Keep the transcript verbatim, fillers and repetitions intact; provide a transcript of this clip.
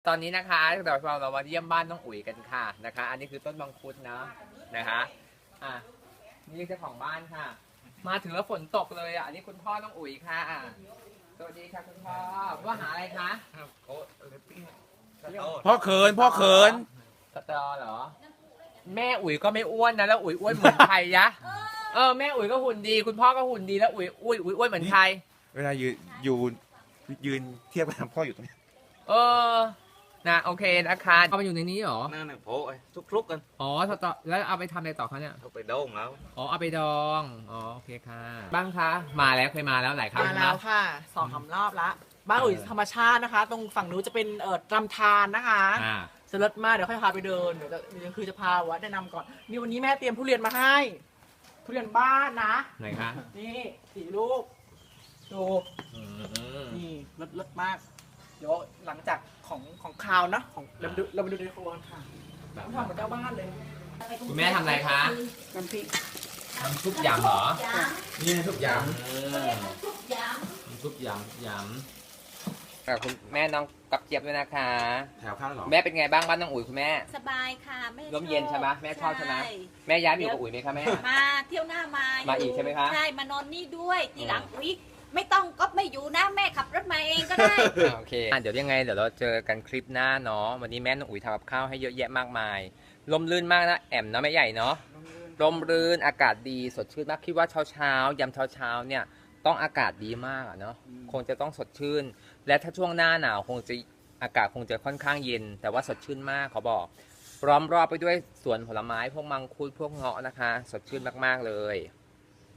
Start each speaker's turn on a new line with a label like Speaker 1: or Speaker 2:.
Speaker 1: ตอนนี้นะคะเดี๋ยวเราเรามาเยี่ยมบ้านน้องอุ๋ยกันค่ะนะคะ อันนี้คือต้นมังคุดนะนะคะอ่ะนี่เจ้าของบ้านค่ะ มาถึงแล้วฝนตกเลยอ่ะอันนี้คุณพ่อน้องอุ๋ยค่ะอ่ะสวัสดีค่ะคุณพ่อว่าหาอะไรคะ
Speaker 2: พ่อเขินพ่อเขิน
Speaker 1: สตอเหรอ แม่อุ๋ยก็ไม่อ้วนนะแล้วอุ๋ยอ้วนเหมือนใครยะเออแม่อุ๋ยก็หุ่นดี คุณพ่อก็หุ่นดีแล้วอุ๋ยอุ๋ยอุ๋ยอ้วนเหมือนใคร
Speaker 2: เวลายืนอยู่ยืนเทียบกับพ่ออยู่ตรงนี้
Speaker 1: เออนะโอเคนะคะเอาไปอยู่ในนี้เหรอ
Speaker 3: นั่นน่ะโผล่ทุกคลุกกัน
Speaker 1: อ๋อสตอแล้วเอาไปทำอะไรต่อคะเนี่ย
Speaker 3: เอาไปโดงแล้ว
Speaker 1: อ๋อเอาไปดอง อ๋อโอเคค่ะ บ้างคะ มาแล้วเคยมาแล้วหลายครั้ง
Speaker 4: มา
Speaker 1: นะ
Speaker 4: แล้วค่ะสองสามรอบละบ้านอุ๋ยธรรมชาตินะคะ ตรงฝั่งนู้นจะเป็นเอ่อลำธารนะคะ
Speaker 1: อ่า
Speaker 4: สลัดมากเดี๋ยวค่อยพาไปเดินเดี๋ยวจะเดี๋ยวคือจะพาวัดแนะนำก่อนนี่วันนี้แม่เตรียมทุเรียนมาให้ ทุเรียนบ้านนะ
Speaker 1: ไหนคะ
Speaker 4: นี่สี่ลูกดู
Speaker 1: อืม
Speaker 4: นี่รสรสมาก เดี๋ยวหลังจากของของคาวนะของเราไปดูเราไปดูในครัวกันค่ะต้องทำเหมือนเจ้าบ้านเลย
Speaker 1: คุณแม่ทำอะไรคะ
Speaker 4: น้ำพริก
Speaker 1: ทำซุปยำเหรอ
Speaker 2: นี่ทุกอย่าง
Speaker 1: อืมทำซุปยำยำอ่ะคุณแม่น้องกับเจี๊ยบด้วยนะคะ
Speaker 2: แถวข้างหรอ
Speaker 1: แม่เป็นไงบ้างบ้านน้องอุ๋ยคุณแม่
Speaker 5: สบายค่ะแม่
Speaker 1: ร่มเย็นใช่ไหมแม่ชอบใช่ไหม
Speaker 5: ใช่
Speaker 1: แม่ย้ายมาอยู่กับอุ๋ยไหมคะแม่
Speaker 5: มาเที่ยวหน้ามา
Speaker 1: มา
Speaker 5: มา
Speaker 1: อีกใช่ไหมคะ
Speaker 5: ใช่มานอนนี่ด้วยทีหลังอุ๊ยไม่ต้องก็ไม่อยู่นะแม่ขับรถมาเองก็ได้
Speaker 1: อ่ะโอเคอ่ะเดี๋ยวยังไงเดี๋ยวเราเจอกันคลิปหน้าเนาะ วันนี้แม่น้องอุ๋ยทำกับข้าวให้เยอะแยะมากมาย ลมลื่นมากนะแอมเนาะแม่ใหญ่เนาะ ลมรื่นอากาศดีสดชื่นมากคิดว่าเช้าเช้ายำเช้าเช้าเนี่ยต้องอากาศดีมากอะเนาะคงจะต้องสดชื่น และถ้าช่วงหน้าหนาวคงจะอากาศคงจะค่อนข้างเย็น แต่ว่าสดชื่นมากขอบอกพร้อมรอบไปด้วยสวนผลไม้พวกมังคุดพวกเงาะนะคะ สดชื่นมากๆเลย